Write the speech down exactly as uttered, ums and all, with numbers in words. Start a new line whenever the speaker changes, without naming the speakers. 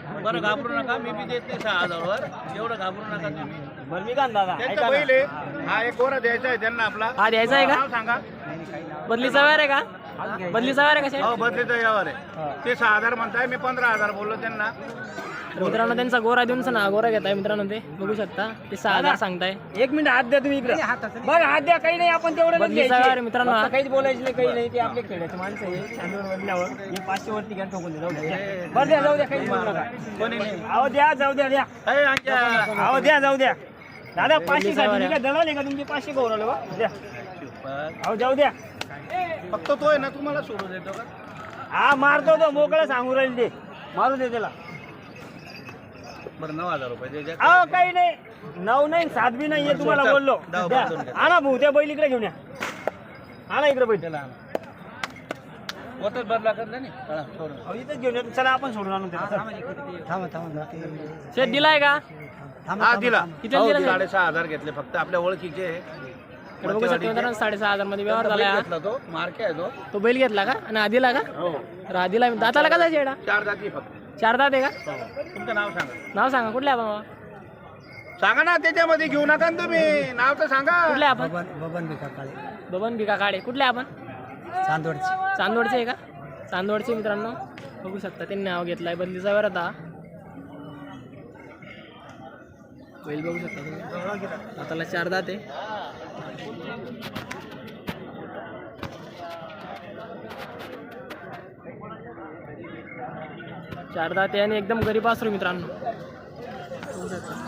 बरं घाबरू नका, मी बी देत नाही सहा हजारवर, एवढं घाबरू नका तुम्ही.
बरं मी का दादा
त्यांचा बैल आहे, हा एक गोरा द्यायचा आहे त्यांना आपला.
हा द्यायचा आहे
नाव
का?
सांगा.
बदलीचा व्यवहार आहे का? बदलीचा व्यवहार आहे का?
हो बदलीचा यावर आहे. ते सहा हजार म्हणताय, मी पंधरा हजार बोललो त्यांना.
मित्रांनो त्यांचा गोरा देऊन ना गोरा घेताय मित्रांनो, ते बघू शकता ते सहा हजार सांगताय.
एक मिनिट हात द्या तुम्ही इकडे. बरं हात द्या, काही नाही आपण तेवढं
बदलीचा व्यवहार आहे मित्रांनो हा.
काहीच बोलायचं नाही, काही नाही. ते आपले खेळाचे माणसं आहे. चांदूर बदल्यावर हे पाचशे वरती घ्या ठोकून दे. जाऊ द्या, बरं द्या, जाऊ द्या, काही बोलू नका.
कोणी नाही.
अहो द्या, जाऊ द्या, द्या.
अरे आमच्या
अहो द्या, जाऊ द्या. दादा पाचशे साठी काय दलाल आहे का तुमचे? पाचशे गौरवले बा, द्या. अहो जाऊ द्या.
फक्त तो आहे ना, तुम्हाला सोडून देतो का?
हा मारतो तो, मोकळं सांगू राहील ते, मारू दे त्याला.
बरं नऊ हजार रुपये दे द्या.
अहो काही नाही, नऊ नाही सात बी नाही आहे तुम्हाला बोललो.
दहा
द्या.
पासून घ्या.
आणा भाऊ त्या बैल इकडे घेऊन या. आणा इकडे बैल.
त्याला आणा. होतच बदला करता नाही. चला, सोडून.
अहो इथेच घेऊन या. चला आपण सोडून आणू त्याला.
शेत दिलाय का?
हा दिला.
किती
हो,
दिला साहेब?
साडेसहा हजार घेतले फक्त, आपल्या ओळखीचे आहे.
इकडे बघू शकता मित्रांनो साडेसहा हजार मध्ये व्यवहार झालाय हा.
घेतला तो मार्के आहे तो.
तो बैल घेतला का? आणि आधीला का?
हो
आधीला दाताला का जायचे एडा?
चार जाती फक्त.
चार दात आहे का?
तुमचं नाव सांगा.
नाव सांगा कुठले आपण बाबा?
सांगा ना, त्याच्यामध्ये घेऊ नका ना तुम्ही, नाव तर सांगा.
कुठले आपण?
बबन भिका काळे,
बबन भिका काळे. कुठले आपण?
चांदोडचे.
चांदवडचे आहे का? चांदवडचे मित्रांनो बघू शकता त्यांनी नाव घेतलाय. बदलीचा व्यवहार आता बैल बघू शकता तुम्ही. दाताला चार दात आहे. चार दात आहे आणि एकदम गरीब असरो मित्रांनो बघू शकता.